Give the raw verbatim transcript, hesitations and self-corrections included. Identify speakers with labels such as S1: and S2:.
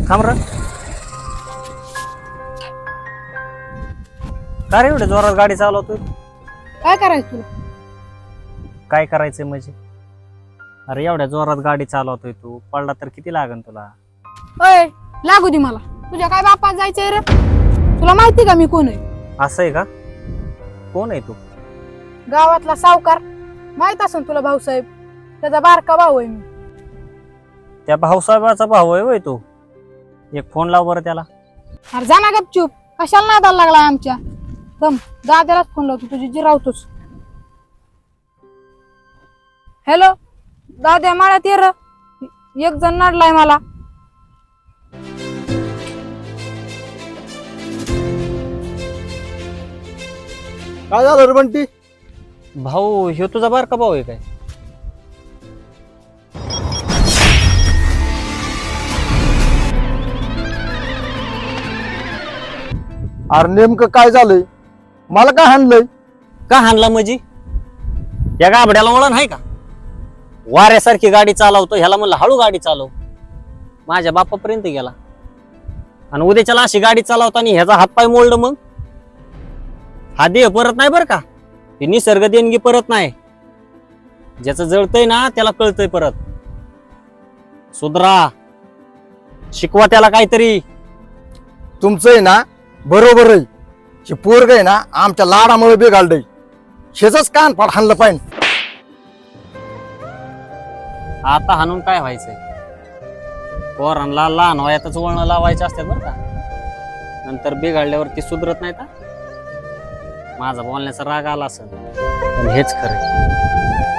S1: थांब र. का रे एवढ्या जोरात गाडी चालवतोय?
S2: काय करायचं तुला?
S1: काय करायचंय म्हणजे? अरे एवढ्या जोरात गाडी चालवतोय तू, पडला तर किती लागन तुला?
S2: अय लागू दे मला. तुझ्या काय बापात जायचंय रे? तुला माहिती का मी कोण आहे?
S1: असं आहे का? कोण आहे तू?
S2: गावातला सावकार. माहित असेल तुला भाऊसाहेब. त्याचा बारका भाऊ आहे मी.
S1: त्या भाऊसाहेबाचा भाऊ आहे होय तू? एक फोन लाव बरं त्याला.
S2: अरे जा ना गपचूप. कशाला नादाला लागलाय आमच्या? दम दादालाच फोन लावतो, तुझी जिरावतोच. हॅलो दाद्या, मला ते र एक जण नडलाय मला.
S3: काय झालं रे बंटी?
S1: भाऊ ह्यो तुझा बारका भाऊ आहे काय?
S3: अरे नेमकं काय झालंय? मला काय हाणलंय?
S1: का हाणला म्हणजे? या गाबड्याला वळण आहे का? वाऱ्यासारखी गाडी चालवतो, ह्याला म्हणलं हळू गाडी चालव. माझ्या बापापर्यंत गेला आणि उद्याच्याला अशी गाडी चालवताना ह्याचा हातपाय मोडलं मग? हा देह परत नाही बरं का? ही निसर्ग देणगी परत नाही. ज्याचं जळतंय ना त्याला कळतंय परत. सुधरा, शिकवा त्याला काहीतरी.
S3: तुमचं आहे ना बरोबर आहे. हे पोरग आहे ना आमच्या लाडामुळे बिघाडलंय. शेजच कान फाड हाणलं पाहिजे.
S1: आता हाणून काय व्हायचंय? पोरांना लहान वयातच वळण लावायचे असतात बरं का. नंतर बिघडल्यावरती सुधरत नाही. माझा बोलण्याचा राग आला असेल पण हेच खरं.